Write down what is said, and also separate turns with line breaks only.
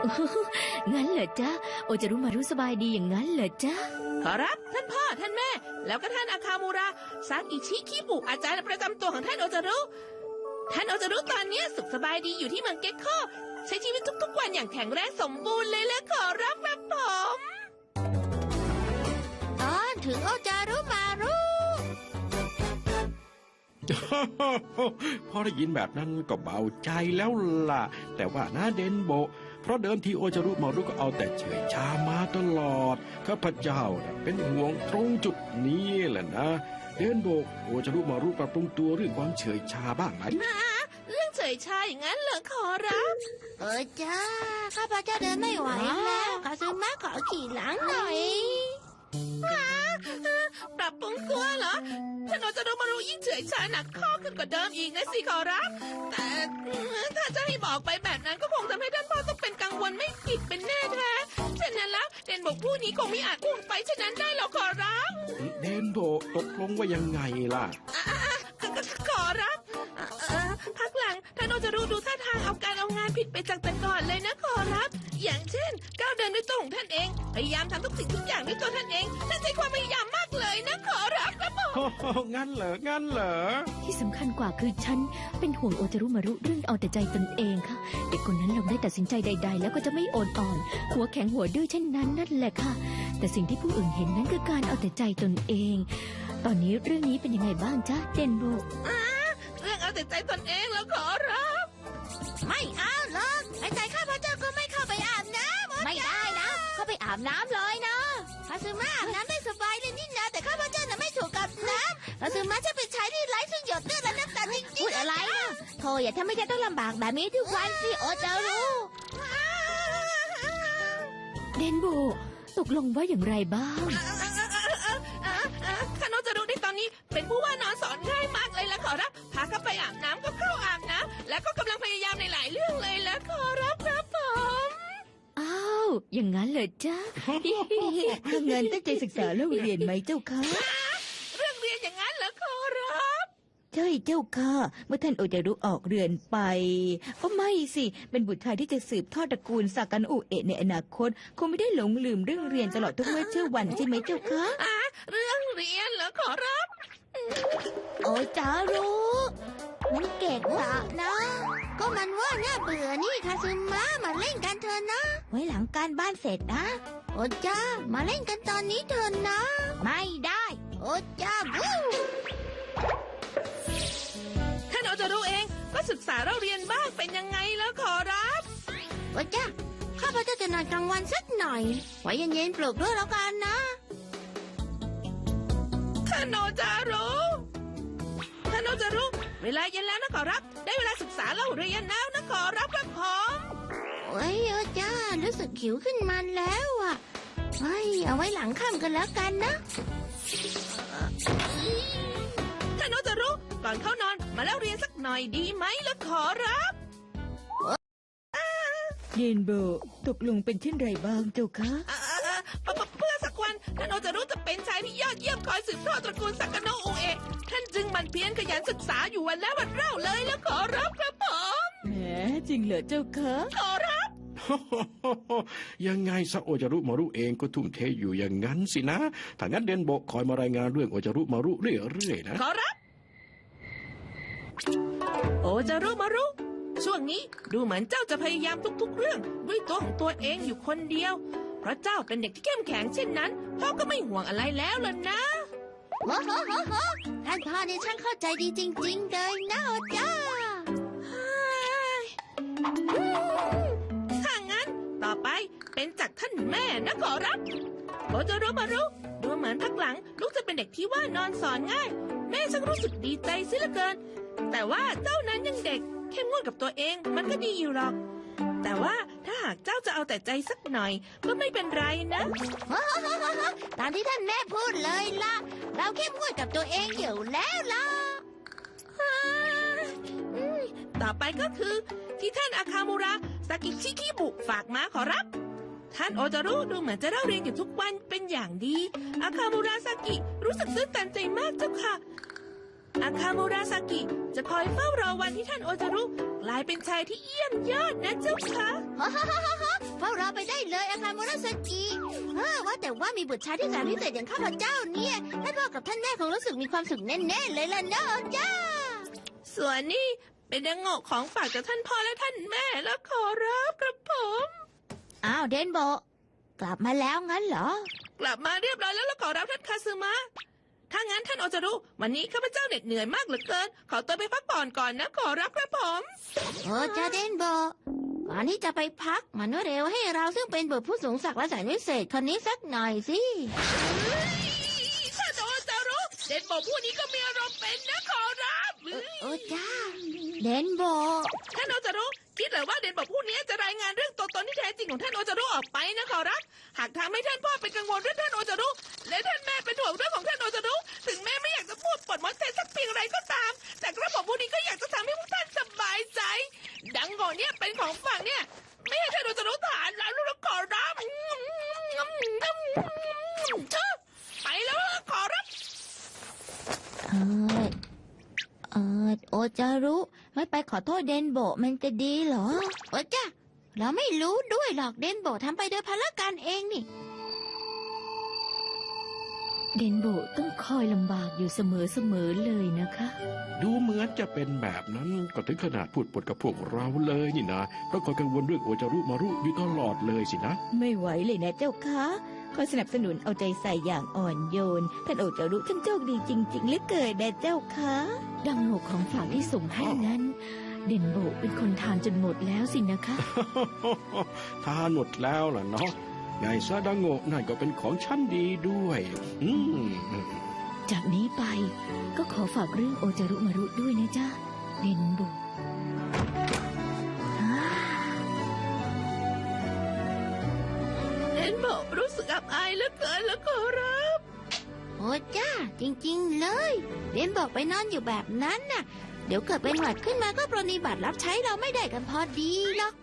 งั้นเหรอจ๊ะโอจะรู้มารู้สบายดีอย่างนั้นเหรอจ๊ะ
ขอรับท่านพ่อท่านแม่แล้วก็ท่านอาคามูระซากิชิคิบุอาจารย์ประจำตัวของท่านโอจะรู้ตอนนี้สุขสบายดีอยู่ที่เมืองเก็กโคใช้ชีวิตทุกๆวันอย่างแข็งแรงสมบูรณ์เลยและขอรับครับผม
ตอนถึงโอจารุมารุ
พอได้ยินแบบนั้นก็เบาใจแล้วล่ะแต่ว่านะเดนโบเพราะเดิมทีโอจารุมารุก็เอาแต่เฉยชามาตลอดข้าพเจ้าเป็นห่วงตรงจุดนี้แหละนะเดนโบโอจารุมารุปรับปรุงตัวเรื่องความเฉยชาบ้างไหม
เรื่องเฉยชาอย่างนั้นเหรอขอรับ
จ้าข้าพเจ้าเดินไม่ไหวแล้วคาซึมะขอขี่หลังหน่อย
ปรับปรุงตัวเหรอท่านโอจารุมารุยิ่งเฉยชาหนักข้อขึ้นกว่าเดิมอีกนะสิขอรับแต่ถ้าจะให้บอกไปแบบนั้นก็คงทำให้ท่านพ่อต้องเป็นกังวลไม่ผิดเป็นแน่แท้ฉะนั้นแล้วเดนโบผู้นี้คงไม่อาจพูดไปฉะนั้นได้หรอกขอรับ
เดนโบตกลงว่ายังไงล่ะ
ขอรับพักหลังท่านโอจารุดูท่าทางเอาการเอางานผิดไปจากแต่ก่อนเลยนะขอรับอย่างเช่นก้าวเดินด้วยตัวของท่านเองพยายามทำทุกสิ่งทุกอย่างด้วยตัวท่านเองท่านใช้ความพยายามมากเลยนะขอรับครับ
ผมงั้นเหรอ
ที่สำคัญกว่าคือฉันเป็นห่วงโอจารุมารุเรื่องเอาแต่ใจตนเองค่ะเด็กคนนั้นลองได้ตัดสินใจใดๆแล้วก็จะไม่อ่อนหัวแข็งหัวดื้อเช่นนั้นนั่นแหละค่ะแต่สิ่งที่ผู้อื่นเห็นนั้นคือการเอาแต่ใจตนเองตอนนี้เรื่องนี้เป็นยังไงบ้างจ๊ะเดนโบ
เรื่องเอาแต่ใจตนเองแล้วขอรับ
ไม่เอาหรอกไอ้ใจข้าพเจ้าก็ไม่เข้าไปอาบน้ำไม่ได้นะเข้าไปอาบน้ำเลยนะคาซึมะอาบน้ำได้สบายเลยนี่นะแต่ข้าพเจ้าน่ะไม่ถูกกับน้ำคาซึมะจะเป็นชายที่ไร้ซึ่งหยดเลือดและน้ำตาจริงๆพูดอะไรนะโธ่อย่าทำให้ฉันต้องลำบากแบบนี้ทุกวันสิโอจารุ
เดนโบตกลงว่าอย่างไรบ้าง
ท่านโอจารุในตอนนี้เป็นผู้ว่านอนสอนง่ายมากเลยละขอรับพาเข้าไปอาบน้ำก็เข้าอาบน้ำแล้วก็กำลังพยายามในหลายเรื่องเลยละขอรับครับผม
อ้าวอย่างนั้นเหรอจ๊ะถ้าเงินตั้งใจศึกษาแล้วเรียนไหมเจ้าคะ
เรื่องเรียนอย่างนั้นเหรอขอรับ
ใช่เจ้าค่ะเมื่อท่านโอจารุออกเรือนไปก็ไม่สิเป็นบุตรชายที่จะสืบทอดตระกูลซากานุเอะในอนาคตคงไม่ได้หลงลืมเรื่องเรียนตลอดทุกเมื่อเชื่อวันใช่ไหมเจ้าคะ
เรื่องเรียนเหรอขอรับ
โอจารุมันเก่งอะนะก็มันว่าน่าเบื่อนี่คาซึมะมาเล่นกันเถอะนะไว้หลังการบ้านเสร็จนะโอจ้ามาเล่นกันตอนนี้เถอะนะไม่ได้โอจ้าบู
ท่านโอจารุเองก็ศึกษาเราเรียนบ้างเป็นยังไงแล้วขอรับ
โอจ้าข้าพเจ้าจะนอนกลางวันสักหน่อยไว้เย็นๆปลุกด้วยแล้วกันนะ
ท่านโอจารุเวลาเย็นแล้วนะขอรับได้เวลาศึกษาเล่าเรียนแล้วนะขอรับครับผม
โอ้ยจ้ารู้สึกหิวขึ้นมาแล้วอ่ะเฮ้ยเอาไว้หลังค่ำกันแล้วกันนะ
ท่านโอจารุก่อนเข้านอนมาเล่าเรียนสักหน่อยดีไหมล่ะขอรับ
เดนโบตกลงเป็นเช่นไรบ้างเจ้าคะ
เพื่อสักวันท่านโอจารุจะเป็นชายที่ยอดเยี่ยมคอยสืบทอดตระกูลซากาโนะอุเอะท่านจึงมันเพียรขยันศึกษาอยู่วันแล้ววันเล่าเลยแล้วขอรับครับผม
แหมจริงเหรอเจ้าคะ
ขอรับ
ยังไงซะโอจารุมารุเองก็ทุ่มเทอยู่อย่างนั้นสินะถ้างั้นเดนโบคอยมารายงานเรื่องโอจารุมารุเรื่อยๆนะ
ขอรับโอจารุมารุช่วงนี้ดูเหมือนเจ้าจะพยายามทุกๆเรื่องด้วยตัวของตัวเองอยู่คนเดียวเพราะเจ้าเป็นเด็กที่เข้มแข็งเช่นนั้นพ่อก็ไม่ห่วงอะไรแล้วล่ะนะ
โอ้โหท่านพ่อนี่ช่างเข้าใจดีจริงๆเลยนะโอจ้า
ถ้างั้นต่อไปเป็นจากท่านแม่นะขอรับโอจารุมารุดูเหมือนพักหลังลูกจะเป็นเด็กที่ว่านอนสอนง่ายแม่ช่างรู้สึกดีใจเสียเหลือเกินแต่ว่าเจ้านั้นยังเด็กเข้มงวดกับตัวเองมันก็ดีอยู่หรอกแต่ว่าถ้าหากเจ้าจะเอาแต่ใจสักหน่อยก็ไม่เป็นไรนะ
ตามที่ท่านแม่พูดเลยล่ะเราเข้มงวดกับตัวเองอยู่แล้วล่ะ
ต่อไปก็คือที่ท่านอาคามูระซากิชิคิบุฝากมาขอรับท่านโอจารุดูเหมือนจะเล่าเรียนอยู่ทุกวันเป็นอย่างดีอาคามูระซากิรู้สึกตื้นตันใจมากเจ้าค่ะอาคามูระซากิจะคอยเฝ้ารอวันที่ท่านโอจารุกลายเป็นชายที่เยี่ยมยอดนะเจ้าค่ะ
เฝ้ารอไปได้เลยอาคารมุราสกิว่าแต่ว่ามีบุตรชายที่แสนพิเศษอย่างข้าพเจ้าเนี่ยท่านพ่อกับท่านแม่คงรู้สึกมีความสุขแน่ๆเลยล่ะเนอะจ้า
ส่วนนี้เป็นดังโงกของฝากจากท่านพ่อและท่านแม่แล้วขอรับครับผม
อ้าวเดนโบกลับมาแล้วงั้นเหรอ
กลับมาเรียบร้อยแล้วขอรับท่านคาซึมะถ้างั้นท่านโอจารุวันนี้ข้าพเจ้าเหน็ดเหนื่อยมากเหลือเกินขอตัวไปพักผ่อนก่อนนะขอรับครับผม
โอ้จ้าเดนโบก่อนที่จะไปพักมันเร็วให้เราซึ่งเป็นบุตรผู้สูงศักดิ์และแสนวิเศษคนนี้สักหน่อยสิ
ท่านโอจารุเด็กบอกผู้นี้ก็มีอารมณ์เป็นนะขอรับ
โอ้จ้าเดนโบ
ท่านโอจารุคิดเหรือว่าเด็กบอกผู้นี้จะรายงานเรื่องตัวตนที่แท้จริงของท่านโอจารุออกไปนะขอรับหากทำให้ท่านพ่อเป็นกังวลเรื่องท่านโอจารุและท่านแม่เป็นห่วงเรื่องของท่านโอจารุถึงแม่ไม่อยากจะพูดปดมดเทสักเพียงไรก็ตาม แต่กระผมผู้นี้ก็อยากจะทำให้พวกท่านสบายใจ ดังโง่เนี่ยเป็นของฝากเนี่ย ไม่ให้ท่านโอจารุทานแล้วลูกขอรับไปแล้วขอรับ
โอจารุไม่ไปขอโทษเดนโบมันจะดีเหรอโอ้จ้าเราไม่รู้ด้วยหรอกเดนโบทำไปโดยพละการเองนี่
เดนโบต้องคอยลำบากอยู่เสมอเลยนะคะ
ดูเหมือนจะเป็นแบบนั้นก็ถึงขนาดพูดปดกับพวกเราเลยนี่นะเพราะคอยกังวลเรื่องโอจารุมารุอยู่ตลอดเลยสินะ
ไม่ไหวเลยนะเจ้าคะคอยสนับสนุนเอาใจใส่อย่างอ่อนโยนท่านโอจารุท่านโชคดีจริงๆเหลือเกินนะเจ้าคะ
ดังโงกของฝากที่ส่งให้นั้น เดนโบเป็นคนทานจนหมดแล้วสินะคะ
ทานหมดแล้วล่ะเนาะไงซาดังโงะนั่นก็เป็นของชั้นดีด้วย
จากนี้ไปก็ขอฝากเรื่องโอจารุมารุด้วยนะจ๊ะเดนโบ
เห็นบอกรู้สึกอับอายเหลือเกินแล้วขอรับ
โอ้จ้าจริงๆเลยเดนบอกไปนอนอยู่แบบนั้นน่ะ เดี๋ยวเกิดเป็นหวัดขึ้นมาก็ปรนนิบัติรับใช้เราไม่ได้กันพอดีหรอก